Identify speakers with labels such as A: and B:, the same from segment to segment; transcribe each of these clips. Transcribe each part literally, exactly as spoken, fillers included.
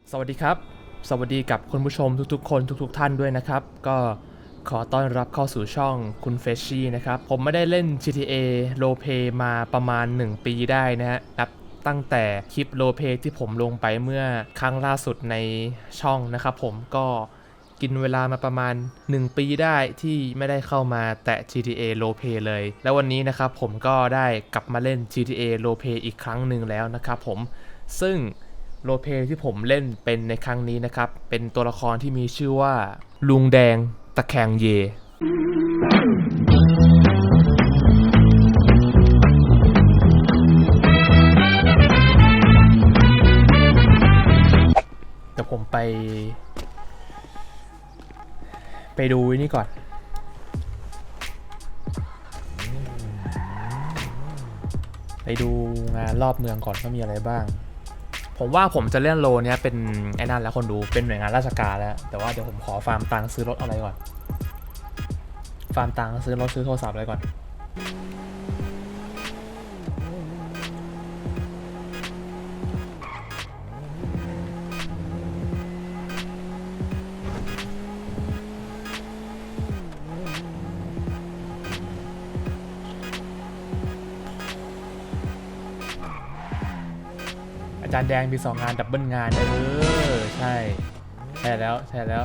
A: สวัสดีครับสวัสดีกับคุณผู้ชมทุกๆคนทุกๆท่านด้วยนะครับก็ขอต้อนรับเข้าสู่ช่องคุณเฟชชี่นะครับผมไม่ได้เล่น จี ที เอ Roleplay มาประมาณหนึ่งปีได้นะฮะนับตั้งแต่คลิป Roleplay ที่ผมลงไปเมื่อครั้งล่าสุดในช่องนะครับผมก็กินเวลามาประมาณหนึ่งปีได้ที่ไม่ได้เข้ามาแตะ จี ที เอ Roleplay เลยแล้ววันนี้นะครับผมก็ได้กลับมาเล่น จี ที เอ Roleplay อีกครั้งหนึ่งแล้วนะครับผมซึ่งโรลเพลย์ที่ผมเล่นเป็นในครั้งนี้นะครับ เป็นตัวละครที่มีชื่อว่าลุงแดงตะแคงเย เดี๋ยวผมไป ไปดูนี่ก่อน ไปดูงานรอบเมืองก่อนว่ามีอะไรบ้างผมว่าผมจะเล่นโลเนี้ยเป็นไอ้นั่นแล้วคนดูเป็นหน่วยงานราชการแล้วแต่ว่าเดี๋ยวผมขอฟาร์มตังค์ซื้อรถอะไรก่อนฟาร์มตังค์ซื้อรถซื้อโทรศัพท์อะไรก่อนอาจารย์แดงมีสองงานดับเบิลงานเออใช่ใช่แล้วใช่แล้ว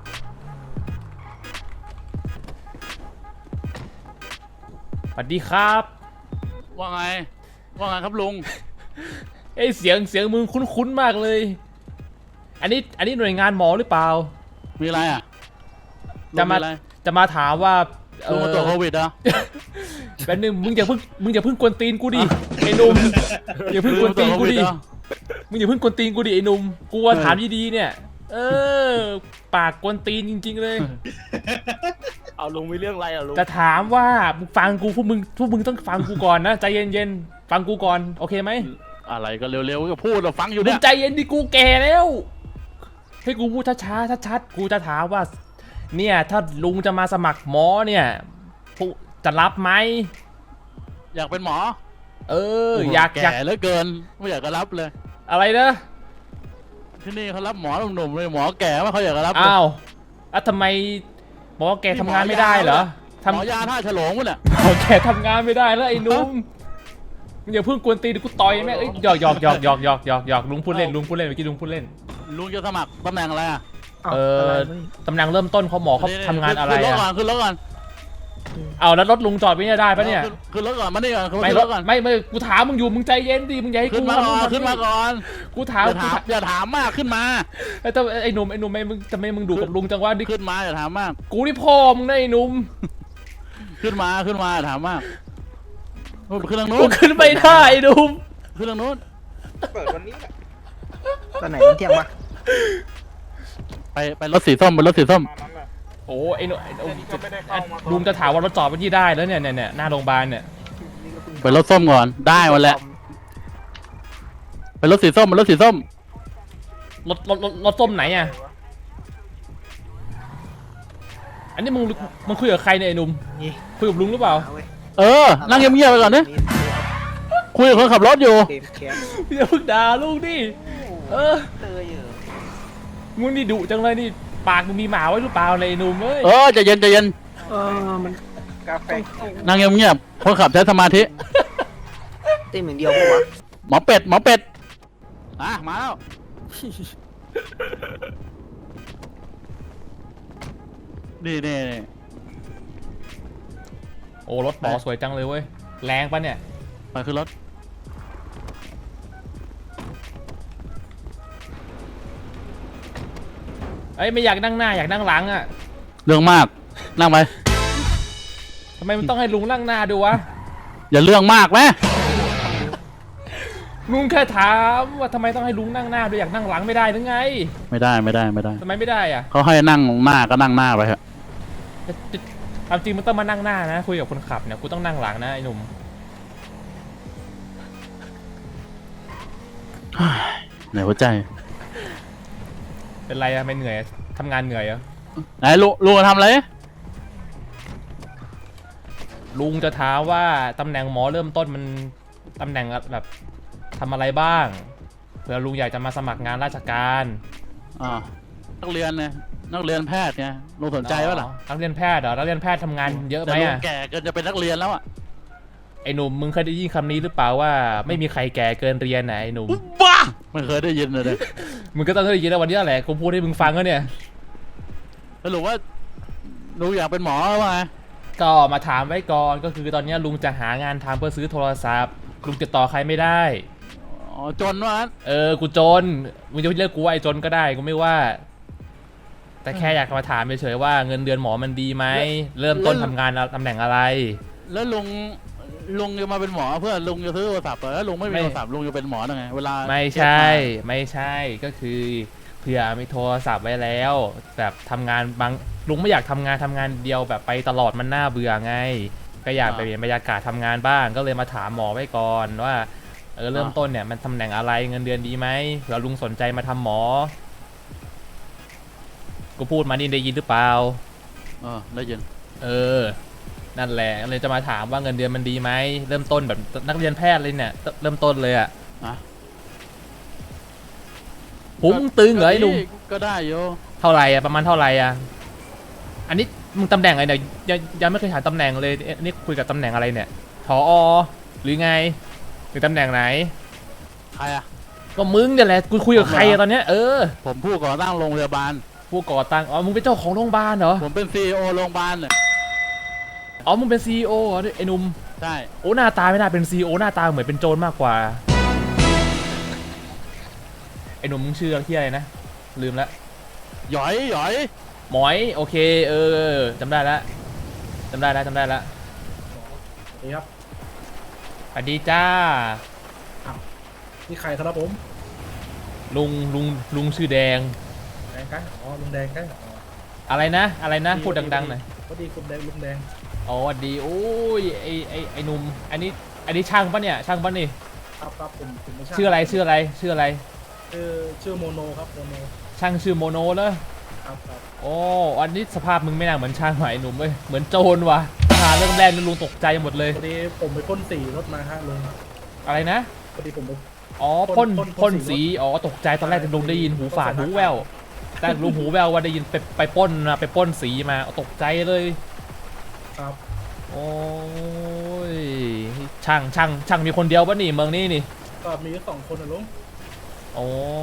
A: สวัสดีครับ
B: ว่าไงว่าไงครับลุง
A: เอ้ยเสียงเสียงมึงคุ้นๆมากเลยอันนี้อันนี้หน่วยงานหมอหรือเปล่า
B: มีอะไรอ่ะ
A: จะมาจะมาถามว่า
B: ลุงมาตรวจโควิดอ่ะ
A: แป๊บนึงมึงอย่าเพิ่งมึงอย่าเพิ่งกวนตีนกูดิไอ้หนุ่มอย่าเพิ่งกวนตีนกูดิมึงอย่าเพิ่งกวนตีนกูดิไอ้หนุ่มกูถามดีๆเนี่ยเออปากกวนตีนจริงๆเลย
B: เอาลุงมีเรื่องอะไรอ่ะลุง
A: จะถามว่ามึงฟังกูพวกมึงพวกมึงต้องฟังกูก่อนนะใจเย็นๆฟังกูก่อนโอเคไหม
B: อะไรก็เร็วๆก็พูดเราฟังอยู่
A: มึ
B: เนี่
A: ง
B: ย
A: ใจเย็นดิกูแก่แล้วให้กูพูดช้าๆชัดๆกูจะถามว่าเนี่ยถ้าลุงจะมาสมัครหมอเนี่ยจะรับไหม
B: อยากเป็นหมอ
A: เอออยาก
B: แก่เหลือเกินไม่อยากจะรับเลย
A: อะไรนะ
B: ที่นี่เขารับหมอหนุ่มๆเลยหมอแก่ไม่เขาอยากจะรับ
A: อ้าวอ่ะทำไมหมอแกทำงานไม่ได้เหรอ
B: หมอยาท่าฉลองวะเนี่ย
A: หมอแกทำงานไม่ได้แล้วไอ้นุ่มมึงอย่าเพิ่งกวนตีนกูต่อยแม่เอ้ยหยอกหยอกหยอกหยอกหยอกหยอกหยอกลุงพูดเล่นลุงพูดเล่นเมื่อกี้ลุงพูดเล่น
B: ลุงจะสมัครตำแหน่งอะไรอ่ะ
A: เออตำแหน่งเริ่มต้นเขาหมอเขาทำงานอะไรอ่ะ
B: ขึ้นรถก่อน
A: เอาแล้วรถลุงจอดไว้เนี่ยได้ปะเนี่ย
B: ขึ้นรถก่อนมานี่ก่อน
A: ไม่รถไม่ไม่กูถามมึงอยู่มึงใจเย็นดิมึงอย่าให้กู
B: ขึ้นมาก่อนขึ้นมาก่อน
A: กูถาม
B: อย่าถามมากขึ้นมา
A: ไอ้แต่ไอ้หนุ่มไอ้หนุ่มไม่มึงทำไมมึงดูกับลุงจังวะนี่
B: ขึ้นมาอย่าถามมาก
A: กูนี่พ่อมึงนะไอ้หนุ่ม
B: ขึ้นมาขึ้นมาถามมากขึ้นทางนู้น
A: กูขึ้นไม่ได้ไอ้หนุ่ม
B: ขึ้นทางนู้น
C: เปิดวันนี้แหละตอนไหนเที่ยงวะ
B: ไปไปรถสีส้มไปรถสีส้ม
A: โอ้ไอ้หนุ่มลุงจะถามว่ารถจอดไปที่ได้แล้วเนี่ยเนี่ยเนี่ยหน้าโรงพยาบาลเนี่ย
B: ไปรถส้มก่อนได้วันแล้วไปรถสีส้มไปรถสีส้ม
A: รถรถรถรถส้มไหนอ่ะอันนี้มึงมึงคุยกับใครเนี่ยไอ้หนุ่มคุยกับลุงหรือเปล่า
B: เออนั่งเงียบๆไปก่อนนี่คุยกับคนขับรถอยู่
A: อย่าเพิ่งด่าลูกดิเออมึงนี่ดุจังเลยนี่ปากมึงมีหมาไว้หรือเปล่าเลยหนุ่มเอ้ย
B: เออใจเย็นใจเย็น
C: เออมันกาแฟ
B: นั่งเงียบๆคนขับใช้สมาธิ
C: เต็มอย่างเดียวปะวะ
B: หมอเป็ดหมอเป็ดอ่ะมาแล้วนี่นี่นี่
A: โอ้รถหมอสวยจังเลยเว้ยแรงปะเนี่ย
B: ไปขึ้นรถ
A: เอ้ยไม่อยากนั่งหน้าอยากนั่งหลังอ่ะ
B: เรื่องมากนั่งไป
A: ทำไมมันต้องให้ลุงนั่งหน้าดูวะ
B: อย่าเรื่องมากไหม
A: ลุงแค่ถามว่าทำไมต้องให้ลุงนั่งหน้าดูอยากนั่งหลังไม่ได้หรือไง
B: ไม่ได้ไม่ได้ไม่ได้
A: ทำไมไม่ได้อ่ะ
B: เขาให้นั่งหน้าก็นั่งหน้าไปเถอะ
A: ความจริงมันต้องมานั่งหน้านะคุยกับคนขับเนี่ยกูต้องนั่งหลังนะไอ้หนุ่ม
B: เหนื่อยหัวใจ
A: เป็นไรอะไม่เหนื่อยทำงานเหนื่อยเหรอ
B: ไหนลุงลุงทำอะไร
A: ลุงจะถามว่าตำแหน่งหมอเริ่มต้นมันตำแหน่งแบบทำอะไรบ้าง เผื่อลุงอยากจะมาสมัครงานราชการ
B: อ่านักเรียนเนี่ยนักเรียนแพทย์ไงลุงสนใจปะล่ะ
A: อ๋อนักเรียนแพทย์เหรอนักเรียนแพทย์ทำงานเยอะไหม
B: แต่ลุง
A: อะ
B: แก่เกินจะเป็นนักเรียนแล้วอ่ะ
A: ไอ้หนุ่มมึงเคยได้ยินคำนี้หรือเปล่าว่าไม่มีใครแก่เกินเรียนไหนะไอ้หนุ่ม
B: บ้าไม่เคยได้ยินเลยเนี่ย
A: มึงก็ต้องได้ยินแล้ววันนี้แหละกูพูดให้มึงฟังก็เนี่ย
B: สรุปว่าลุงอยากเป็นหมอว่าไง
A: ก็มาถามไว้ก่อนก็คือตอนนี้ลุงจะหางานทำเพื่อซื้อโทรศัพท์ลุงติดต่อใครไม่ได้
B: อ๋อจนว่างั้น
A: เออกูจนมึงจะเรียกกูว่าไอ้จนก็ได้กูไม่ว่า แต่แค่อยากมาถามเฉยๆว่าเงินเดือนหมอมันดีไหมเริ่มต้นทำงานตำแหน่งอะไร
B: แล้วลุงลุงจะมาเป็นหมอเพื่อลุงจะซื้อโทรศัพท์เหรอแล้วลุงไม่มี
A: ไม่
B: โทรศัพท์ลุงจะเป็นหมอได้ไงเวลา
A: ไม่ใช่ไม่ใช่ก็คือเผื่อมีโทรศัพท์ไว้แล้ว แบบทำงานบางลุงไม่อยากทำงานทำงานเดียวแบบไปตลอดมันน่าเบื่อไง ก็อยากไปเปลี่ยนบรรยากาศทำงานบ้างก็เลยมาถามหมอไว้ก่อนว่าเออเริ่มต้นเนี่ยมันตำแหน่งอะไรเงินเดือนดีไหมเผื่อลุงสนใจมาทำหมอกูพูดมานี่ได้ยินหรือเปล่า
B: เออได้ยิน
A: เออนั่นแหละเลยจะมาถามว่าเงินเดือนมันดีไหมเริ่มต้นแบบนักเรียนแพทย์เลยเนี่ยเริ่มต้นเลยอะ
B: อ่ะ
A: พุงตึงเหรอไอ้หนุ่ม
B: ก็ได้โย
A: เท่าไหร่อะประมาณเท่าไหร่อะอันนี้มึงตำแหน่งอะไรเนี่ยยังยังไม่เคยถามตำแหน่งเลยเอ๊ะนี่คุยกับตำแหน่งอะไรเนี่ยผอหรือไงหรือตำแหน่งไหน
B: ใครอ่ะ
A: ก็มึงเนี่ยแหละกูคุยกับใครอะตอนเนี้ยเออ
B: ผมผู้ก่อตั้งโรงพยาบาล
A: ผู้ก่อตั้งอ๋อมึงเป็นเจ้าของโรงพยาบาลเหรอ
B: ผมเป็นซีอีโอโรงพยาบาลเนี่ย
A: อ๋อมึงเป็นซีอีโอเหรอไอ้หนุ่ม
B: ใช่
A: โอ้หน้าตาไม่น่าเป็นซีอีโอหน้าตาเหมือนเป็นโจรมากกว่าไอ้หนุ่มมึงชื่อที่อะไรนะลืมละ
B: หยอยหยอย
A: หมอยโอเคเออจำได้แล้วจำได้แล้วจำได้แล้ว
D: นี่ครับ
A: สวัสดีจ้า
D: นี่ใครครับผม
A: ลุงลุงลุงชื่อแดง
D: แดงกันอ๋อลุงแดงกันอ๋อ
A: อะไรนะอะไรนะพูดดังๆหน่อย
D: พอดีคุณแดงลุงแดง
A: อ๋อสวัสดีโอ้ยไอไอไอหนุ่มอันนี้อันนี้ช่างปะเนี่ยช่างปะนี่
D: ครับครับผมผมไม่ใช่
A: ชื่ออะไรชื่ออะไรชื่ออะไร
D: ชื่อชื่อโมโนครับโมโน
A: ช่างชื่อโมโนเลย
D: ครับครับ
A: โอ้อันนี้สภาพมึงไม่น่าเหมือนช่างหมายหนุ่มเว้ยเหมือนโจรว่ะหาเรื่องแรกนี่ลุงตกใจหมดเลย
D: พอดีผมไปพ่นสีรถมาฮะลุง
A: อะไรนะ
D: พอดีผมไป
A: อ๋อ
D: พ่
A: พ่น
D: นพ่น
A: พ่น
D: สี
A: สีอ๋อตกใจตอนแรกลุงได้ยินหูฝาด
D: พ่นสี
A: หูแววแต่ลุงหูแววว่าได้ยินไปไปปล้นนะไปปล้นสีมาตกใจเลย
D: ครับ
A: โอ้ยช่างช่างช่างมีคนเดียวปะนี่เมืองนี้นี่
D: ก็มีสองคนนะลุง
A: โอ้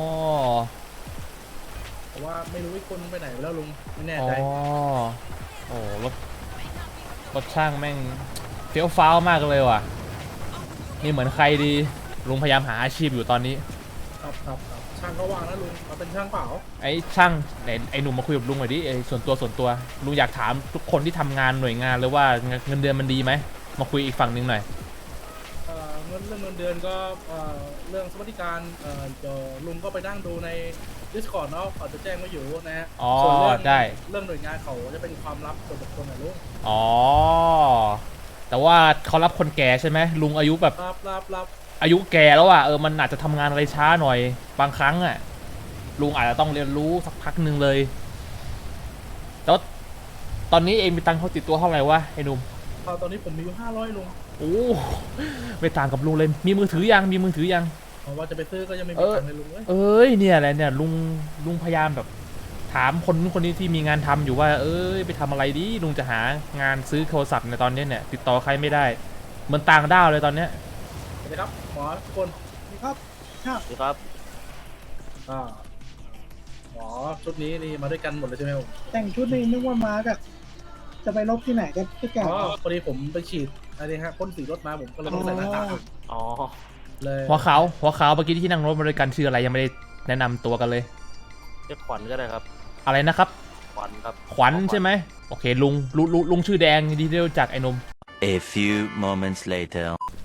D: แต่ว่าไม่รู้อีกคนไปไหนไปแล้วลุงไม่แน่
A: อ๋อ
D: ใจ
A: โอ้รถรถช่างแม่งเฟี้ยวฟ้าวมากเลยว่ะนี่เหมือนใครดีลุงพยายามหาอาชีพอยู่ตอนนี้
D: ครับครับครับช่างก็ว่างนะลุงมาเป็นช่างเปล่า
A: ไอ้ช่างไหนไอ้หนุ่มมาคุยกับลุงหน่อยดิไอ้ส่วนตัวส่วนตัวลุงอยากถามทุกคนที่ทำงานหน่วยงานเลยว่าเงินเดือนมันดีไหมมาคุยอีกฝั่งหนึ่งหน่อย
D: เอ่อเงินเรื่องเงินเดือนก็เอ่อเรื่องสวัสดิการเอ่อเดี๋ยวลุงก็ไปนั่งดูใน Discord เนาะเขาจะแจ้งไว้อยู่นะฮะ
A: อ๋อ
D: ส่วนเรื่อง
A: ได้
D: เรื่องหน่วยงานเขาจะเป็นความลับส่วนบุคคลนะลุง
A: อ๋อแต่ว่าเขารับคนแก่ใช่ไหมลุงอายุแบบ
D: รับรับรับ
A: อายุแก่แล้วอ่ะเออมันอาจจะทำงานอะไรช้าหน่อยบางครั้งอ่ะลุงอาจจะต้องเรียนรู้สักพักหนึ่งเลยแต่ว่าตอนนี้เองมีตังค์เขาติดตัวเท่าไหร่วะไอ้หนุ่ม
D: ตอนตอนนี้ผมมีอยู่ห้าร้อยลุง
A: โอ้ไม่ต่างกับลุงเลยมีมือถือยังมีมือถือยัง
D: เพราะว่าจะไปซื้อก็ยังไม่
A: เอ
D: มี
A: อ
D: ตังค์เลยลุงเอ้ย
A: เอ้ยเนี่ยแหละเนี่ยลุงลุงพยายามแบบถามคนนู้นคนนี้ที่มีงานทำอยู่ว่า เอ้ยไปทำอะไรดีลุงจะหางานซื้อโทรศัพท์ในตอนนี้เนี่ยติดต่อใครไม่ได้เหมือนต่างด้าวเลยตอนเนี้ย
D: สวัสดีครับหมอทุกคน
C: ครับครับ
B: สวัสดีครับ
D: อ่าหมอชุดนี้นี่มาด้วยกันหมดเลยใช่ไหมผม
C: แต่งชุดนี้นึกว่ามากับจะไปลบที่ไหนกันพี่แก
D: อ๋อพอดีผมไปฉีดอะไรฮะพ่นสีรถมาผมก็เลยต้องใส่หน้ากาก
B: อ๋อ
D: เลย
A: หัวขาวหัวขาวเมื่อกี้ที่นั่งรถมาด้วยกันชื่ออะไรยังไม่ได้แนะนำตัวกันเลย
E: เรียกขวัญก็ได้ครับ
A: อะไรนะครับ
E: ขวัญครับ
A: ขวัญใช่ไหมโอเคลุงลุงลุงลุงชื่อแดงดีที่ได้รู้จักไอ้หนม
F: A few moments later.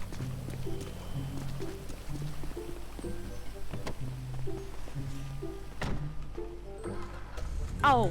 G: เอ้า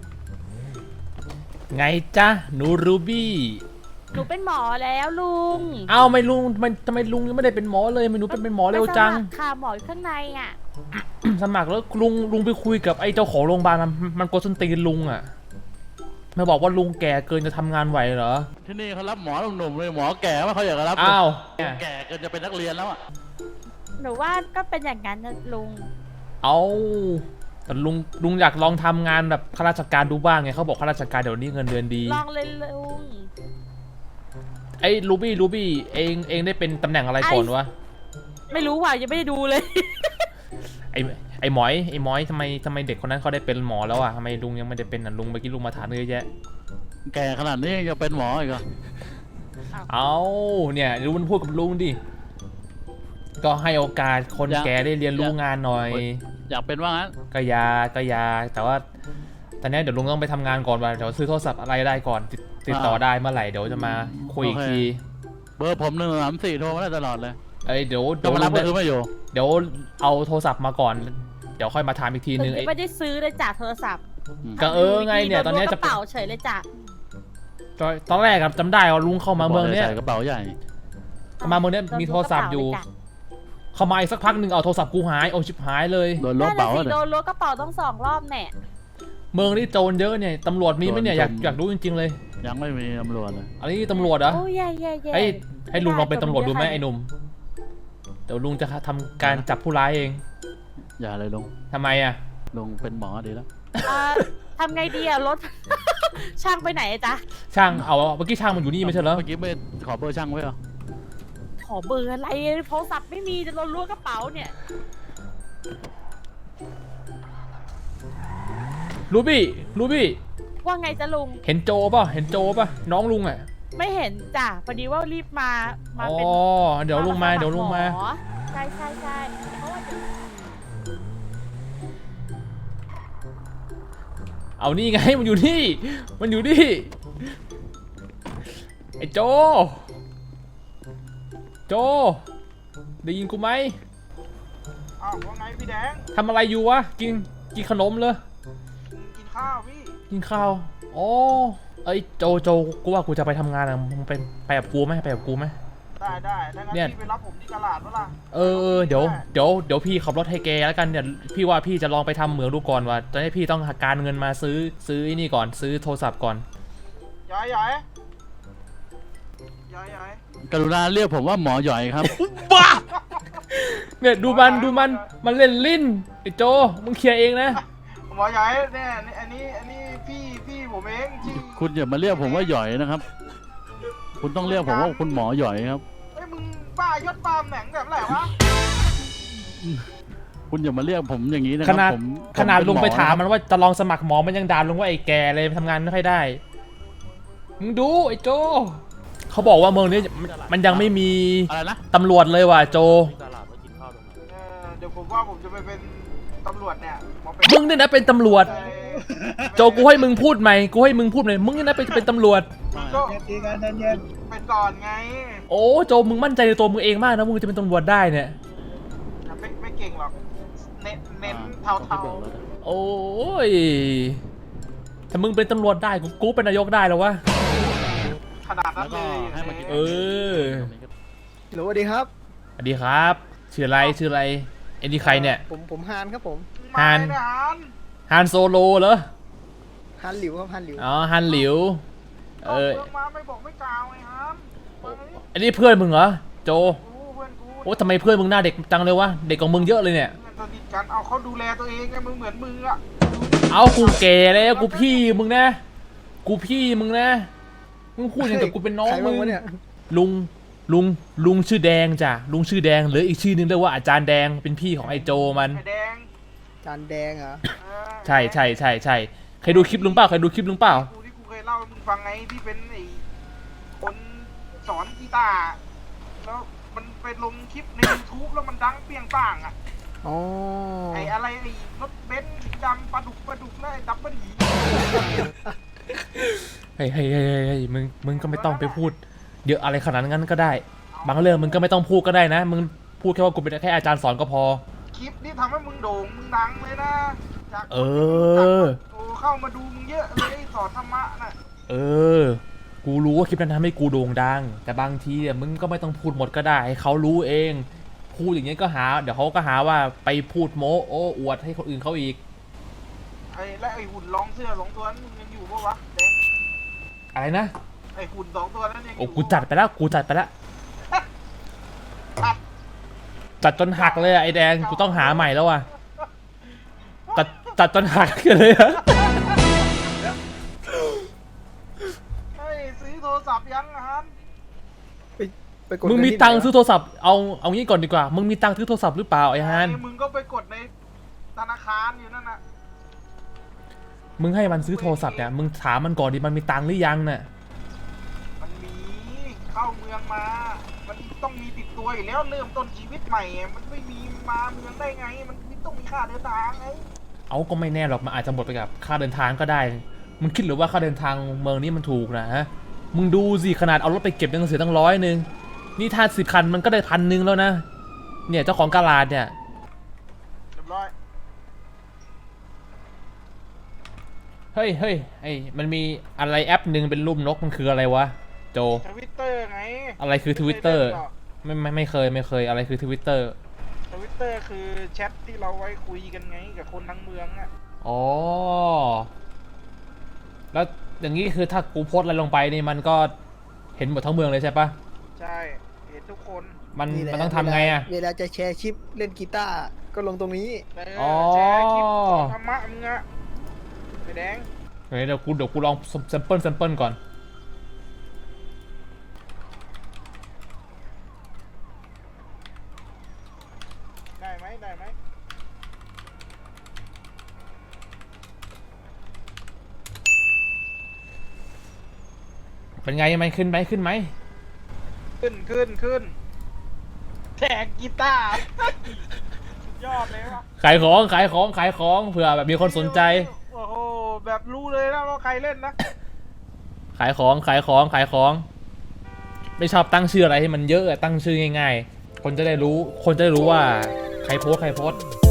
A: ไงจ๊ะหนูรูบี้
G: หนูเป็นหมอแล้วลุง
A: เอ้าไม่ลุงทำไมทำไมลุงยังไม่ได้เป็นหมอเลยไม่หนูเป็นเป็นหมอเร็วจัง
G: ไปสมัครค่ะหมออยู่ข้างในอ่ะ
A: สมัครแล้วลุงลุงไปคุยกับไอ้เจ้าของโรงพยาบาลมันมันโกดส้นตีนลุงอ่ะมาบอกว่าลุงแก่เกินจะทำงานไหวเหรอ
B: ที่นี่เขารับหมอหนุ่มๆเลยหมอแก่ว่าเขาอยากจะรับ
A: อ้าว
B: แก่เกินจะเป็นนักเรียนแล้วอ่ะ
G: หนูหนูว่าก็เป็นอย่างนั้นนะลุง
A: เอาแต่ลุงลุงอยากลองทำงานแบบข้าราชการดูบ้างไงเขาบอกข้าราชการเดี๋ยวนี้เงินเดือนดี
G: ลองเลยลุง
A: ไอ้ลูบี้ลูบี้เองเองได้เป็นตำแหน่งอะไรก่อนวะ
G: ไม่รู้ว่ะยังไม่ได้ดูเลย
A: ไอ้ไอ้หมอยไอ้หมอยทำไมทำไมเด็กคนนั้นเขาได้เป็นหมอแล้วอ่ะทำไมลุงยังไม่ได้เป็นอ่ะลุงเมื่อกี้ลุงมาถามเยอะแยะ
B: แก่ขนาดนี้ยังจะเป็นหมออีกเหรอ
A: เอาเนี่ยลุงมันพูดกับลุงดิก็ให้โอกาสคนแก่ได้เรียนรู้งานหน่อย
B: อยากเป็นว่างั้น
A: ก็อยาก็อยาแต่ว่าตอนนี้เดี๋ยวลุงต้องไปทำงานก่อนว่าเดี๋ยวซื้อโทรศัพท์อะไรได้ก่อนติดติดต่อได้เมื่อไหร่เดี๋ยวจะมาคุยอีกที
B: เบอร์ผมหนึ่งสามสี่โทรมาได้ตลอดเลย
A: เอ้ยเดี๋ยว
B: จะ
A: เดี๋ยว
B: มา
A: ลุ
B: รับ
A: ง
B: ก็คือไม่อยู่
A: เดี๋ยวเอาโทรศัพท์มาก่อน เดี๋ยวค่อยมาถามอีกที
G: หนู
A: นึงไอ้
G: ไม่ได้ซื้อเลยจ้ะโทรศัพท์
A: ก็เออไงเนี่ยตอนนี้จะ
G: กระเป๋าเฉยเลยจ้ะ
A: ตอนแรกครับจำได้ว่าลุงเข้ามาเมืองเนี้ย
B: ใส่กระเป๋าใหญ่
A: มาเมืองเนี้ยมีโทรศัพท์อยู่ เข้ามาอีกสักพักหนึ่งเอาโทรศัพท์กูหายโอ้ชิบหายเลย
B: โดน
G: โด
B: ล
G: น
B: บ
G: กระ
B: เป๋า
G: เป๋า
B: เลย
G: โดนล้วกระเป๋าต้องสองรอบแน่
A: เมืองนี้โจรเยอะเนี่ยตำรวจมีไหมเนี่ยอยากอยากรู้จริงๆเลย
B: ยังไม่มีตำรวจเลย
A: อันนี้ตำรวจเหรอ
G: โอ้ยแย่แย่แย่
A: ให้ให้ลุงลองเป็นตำรวจดูไหมไอ้หนุ่มเดี๋ยวลุงจะทำการจับผู้ร้ายเอง
B: อย่าเลยลุง
A: ทำไมอ่ะ
B: ลุงเป็นหมอดีแล้ว
G: เอ่อทำไงดีอะรถ ช่างไปไหนอะจ๊ะ
A: ช่างเอาเมื่อกี้ช่างมันอยู่นี่ไม่ใช่เหรอ
B: เมื่อกี้ไม่ขอเบอร์ช่างไว้เหรอ
G: ขอเบอร์อะไรโทรศัพท์ไม่มีจะโดนล้วกระเป๋าเนี่ย
A: รูบี้รูบี้
G: ว่าไงจ๊ะลุง
A: เห็นโจป่ะเห็นโจป่ะน้องลุงอ่ะ
G: ไม่เห็นจ้ะพอดีว่ารีบมา มา
A: อ๋อ
G: เป็น
A: เดี๋ยวลุงมาเดี๋ยวลุงมา
G: หอใช่ใช่ใช่เพราะว่าเดี๋ยว
A: เอานี่ไงมันอยู่นี่มันอยู่นี่ไอ้โจโจได้ยินกูไหม
C: อ้าวว่าไงพี่แดง
A: ทำอะไรอยู่วะกินกินขนมเลย
C: กินข้าวพี่
A: กินข้าวอ๋อเอ้ยโจโจกูว่ากูจะไปทำงานอะมึงไปไปกับกูไหมไปกับกูไหม
C: ได้ได้ถ้างั้น
A: เนี่ย
C: พี่ไปรับผมที่ตลาดเมื่อไหร่
A: เออเออเดี๋ยวเดี๋ยวเดี๋ยวพี่ขับรถให้แกแล้วกันเดี๋ยวพี่ว่าพี่จะลองไปทำเหมืองดูก่อนว่าตอนนี้พี่ต้องหาการเงินมาซื้อซื้อไอ้นี่ก่อนซื้อโทรศัพท์ก่อน
C: ย้ายย้ายย้ายย้าย
B: กรุณาเรียกผมว่าหมอหย่อยครับ
A: บ้าเนี่ยดูมันดูมันมันเล่นลิ้นไอ้โจมึงเคลียร์เองนะ
C: หมอย้ายเนี่ยอันนี้อันนี้พี่พี่ผมเองที่
B: คุณอย่ามาเรียกผมว่าหย่อยนะครับ คุณต้องเรียกผมว่าคุณหมอหย่อยครับ
C: เฮ้ยมึงบ้ายศปาล์มแหน่งแบบไหนวะ
B: คุณอย่ามาเรียกผมอย่างนี้นะค
A: ข
B: รับ
A: นาด
B: ผม
A: ขนาด
B: ผเน
A: ลุงไป
B: หอ
A: ถาม
B: ะ
A: มันว่าจะลองสมัครหมอมันยังด่าลุงว่าไอ้แกเลยทำงานไม่ค่อยได้มึงดูไอ้โจเขาบอกว่าเมืองนี้มันมันยังไม่มี
B: อะไรนะ
A: ตำรวจเลยว่ะโจ
E: ที่ตลาดมากินข้าวตรงไหน
C: เออเดี๋ยวผมว่าผมจะไปเป็นตำรวจเนี่ยมาเป็น
A: มึงเนี่ยนะเป็นตำรวจ
C: เอ่อ
A: โจกูให้มึงพูดใหม่กูให้มึงพูดใหม่มึงเนี่ยนะเป็นเป็นตำรวจ
C: ก็เป็นก่อนไง
A: โอ้โจมึงมั่นใจในตัวมึงเองมากนะมึงจะเป็นตำรวจได้เนี่ย
C: ไม่ไม่เก่งหรอกเน้นเน้นเทาเทา
A: โอ้ยถ้ามึงเป็นตำรวจได้กูกูเป็นนายกได้แล้ววะ
C: ขนาดนั้นเลย
B: แล้วก็ให้มากิน
A: เออ
H: สวัสดีครับ
A: สวัสดีครับชื่ออะไรชื่ออะไรไอ้นี่ใครเนี่ย
H: ผมผมฮานครับผม
A: ฮาน
C: ทหาร
A: ฮันโซโลเหรอ
H: ฮานหลิวครับฮานหลิว
A: อ๋อฮันหลิวเออ
C: เพื่อนมาไม่บอกไม่กล่าวไงฮันมาดิ
A: อันนี้เพื่อนมึงเหรอโจ
C: กูเพื่อนกู
A: โอ้ทำไมเพื่อนมึงหน้าเด็กจังเลยวะเด็กกว่ามึงเยอะเลยเนี่ย
C: เพื่อนสนิทกันเอาเขาดูแลตัวเองไงมึงเหมือนมึงอะ
A: เอากูแก่แล้วกูพี่มึงนะกูพี่มึงนะมึงพูดอย่างกับกูเป็นน้อง
H: ใคร
A: มึ
H: บ้าง
A: ง
H: วะเนี่ย
A: ลุงลุงลุงชื่อแดงจ้ะลุงชื่อแดงหรืออีกชื่อนึงเรียกว่าอาจารย์แดงเป็นพี่ของไอโจมัน
C: ไอ้แดง
H: จานแดงเหรอ
C: เออ
A: ใช่ใช่ใช่ใช่เคยดูคลิปลุงเปล่าเคยดูคลิปลุงเปล่า
C: กูที่กูเคยเล่าให้มึงฟังไงที่เป็นไอ้คนสอนกีตาร์แล้วมันไปลงคลิปใน YouTube แล้วมันดังเปรี้ยงป้างอะ
H: อ๋อ
C: ไอ้อะไรไอ้รถเบนซ์สีดำปลาดุกปลาดุกแล้วไอ้ดับเบิลหี
A: เฮ้ยเฮ้ยเฮ้ยเฮ้ยมึงมึงก็ไม่ต้องไปพูดเยอะอะไรขนาดนั้นก็ได้ บางเรื่องมึงก็ไม่ต้องพูดก็ได้นะมึงพูดแค่ว่ากูเป็นแค่อาจารย์สอนก็พอ
C: คลิปนี้ทำให้มึงโด่งมึงดังเลยนะจาก
A: เออ
C: โอ้เข้ามาดูมึงเยอะเลยสอนธรรมะน่ะ
A: เออ กูรู้ว่าคลิปนั้นทำให้กูโด่งดัง แต่บางทีเนี่ยมึงก็ไม่ต้องพูดหมดก็ได้ให้เขารู้เอง พูดอย่างเงี้ยก็หา เดี๋ยวเขาก็หาว่าไปพูดโม้โอ้อวดให้คนอื่นเขาอีก
C: ไอ้และไอ้หุ่นรองเสื้อสองตัวนั้นมึงยังอยู่ปะวะแดง
A: อะไรนะ
C: ไอ้หุ่นสองตัวนั้นยังอ
A: โอ้
C: ยู่
A: กูจัดไปแล้ว กูจัดไปแล้ว
C: ตัด
A: จัดจนหักเลยอะไอแดงกูต้องหาใหม่แล้วอ่ะจัดจัดจนหักเลยอะ
C: เฮ้ยซื้อโทรศัพท์ยังอะฮัน
H: ไปไปกด
A: มึงมี
H: เนที่
A: ตังค์
H: ไหนวะ
A: ซื้อโทรศัพท์เอาเอางี้ก่อนดีกว่ามึงมีตังค์ซื้อโทรศัพท์หรือเปล่าไอ้ฮาน
C: มึงก็ไปกดในธนาคารอยู่นั่นน่ะ
A: มึงให้มันซื้อโทรศัพท์เนี่ยมึงถามมันก่อนดิมันมีตังค์หรือยังเนี่ย
C: มันมีเข้าเมืองมา มันต้องมีติดตัวอยู่แล้วเริ่มต้นชีวิตใหม่อะมันไม่มีมาเมืองได้ไง มันต้องมีค่าเดินทางไง
A: เอาก็ไม่แน่หรอกมันอาจจะหมดไปกับค่าเดินทางก็ได้มึงคิดหรือว่าค่าเดินทางเมืองนี้มันถูกนะฮะมึงดูสิขนาดเอารถไปเก็บยังเสียตั้งร้อยหนึ่งนี่ถ้าสิบคันมันก็ได้พันหนึ่งแล้วนะเนี่ยเจ้าของกาลาดเนี่ย
C: เรียบร้อย
A: เฮ้ยเฮ้ยไอ้มันมีอะไรแอปหนึ่งเป็นรูปนกมันคืออะไรวะโจ
C: ทวิตเตอร์ไง
A: อะไรคือทวิตเตอร์ไม่ไม่ไม่เคยไม่เคยอะไรคือทวิตเตอร์
C: ทวิตเตอร์คือแชทที่เราไว้คุยกันไงกับคนทั้งเมืองอะ
A: อ๋อแล้วอย่างนี้คือถ้ากูโพสต์อะไรลงไปนี่มันก็เห็นหมดทั้งเมืองเลยใช่ปะ
C: ใช่ เห็นทุกคน
A: มัน
H: นี่แหละ
A: มันต้องทำไงอะ
H: เวลาจะแชร์ชิปเล่นกีตาร์ก็ลงตรงนี้
C: เออ
A: อ๋อ
C: แชร์คลิปสอนธรรมะมึงอะไอ้แดง
A: เฮ้ยเดี๋ยวกูเดี๋ยวกูลองแซมเปิลแซมเปิลก่อน
C: ได้ไหมได้ไหม
A: เป็นไงมันขึ้นไหมขึ้นไหม
C: ขึ้นขึ้นขึ้นแทกกีตาร์ สุดยอดเลยวะ
A: ขายของขายของขายของเผื่อแบบมีคนสนใจ
C: โอ้โหแบบรู้เลยนะว่าใครเล่นนะ
A: ขายของขายของขายของ ไม่ชอบตั้งชื่ออะไรให้มันเยอะอะตั้งชื่อง่ายๆ คนจะได้รู้คนจะได้รู้ว่าใครโพสต์ใครโพสต์